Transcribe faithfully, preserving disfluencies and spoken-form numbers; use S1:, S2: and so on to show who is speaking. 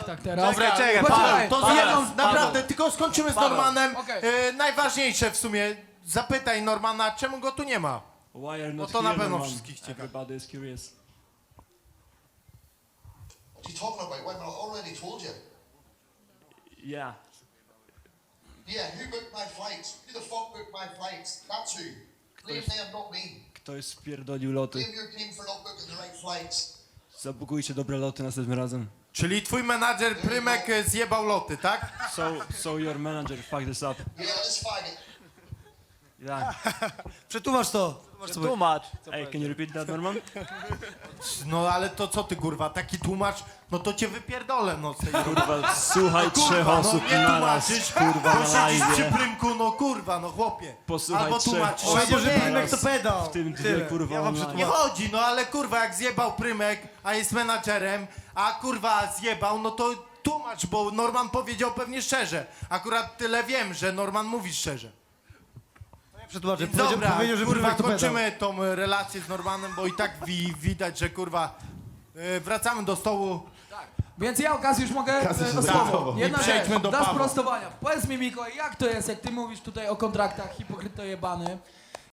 S1: kontraktach teraz.
S2: Dobra, czekaj,
S1: Poczekaj,
S2: Paweł,
S3: To
S2: Paweł,
S3: jedną,
S2: Paweł.
S3: naprawdę, tylko skończymy z
S2: Paweł.
S3: Normanem.
S1: Okej.
S3: E, najważniejsze w sumie, zapytaj Normana, czemu go tu nie ma?
S4: Why are you not
S3: to na
S4: here,
S3: pewno
S4: Norman?
S3: wszystkich ciekawi.
S4: Everybody is curious.
S5: What are you talking about? Wait a minute, I already told you.
S4: Yeah.
S5: Yeah, who booked my flights? Who the fuck booked my flights? That's who. Blame them, not me.
S4: Ktoś spierdolił loty.
S5: Blame your team for not booking the right flights.
S4: Zabukujcie dobre loty następnym razem.
S3: Czyli twój menadżer Prymek e, zjebał loty, tak?
S4: So, so your manager fucked this up.
S5: Yeah, let's find it.
S4: Yeah.
S2: Przetłumacz to.
S6: Tłumacz.
S4: Hey, can you repeat that, Norman?
S3: No ale to co ty kurwa, taki tłumacz, no to cię wypierdolę, no tej
S4: Kurwa, słuchaj trzech
S3: Kurwa,
S4: osób
S3: no nie
S4: naraz,
S3: tłumaczysz,
S4: kurwa,
S3: bo
S4: na
S3: siedzisz przy
S4: live.
S3: Prymku, no kurwa, no chłopie.
S4: Posłuchaj
S3: Albo
S4: trzech
S3: tłumaczysz,
S4: osób
S3: albo
S2: Powiedział, że
S3: nie.
S2: Prymek to pedał.
S4: W tym dwie,
S2: Tyle.
S4: kurwa,
S2: Ja wam
S4: online.
S3: Nie chodzi, no ale kurwa, jak zjebał Prymek, a jest menadżerem, a kurwa zjebał, no to tłumacz, bo Norman powiedział pewnie szczerze. Akurat tyle wiem, że Norman mówi szczerze.
S2: Przetłumaczę.
S3: Dobra,
S2: Powiedział, powiedział, że
S3: kurwa,
S2: Prymek to pedał.
S3: kończymy tą e, relację z Normanem, bo i tak wi widać, że kurwa, e, wracamy do stołu.
S1: Więc ja okazję już mogę e, o słowo.
S3: zachował.
S1: Jedna
S3: I
S1: rzecz,
S3: przejdźmy do
S1: dla
S3: Pawła.
S1: sprostowania. Powiedz mi, Mikołaj, jak to jest, jak ty mówisz tutaj o kontraktach, hipokryto jebany,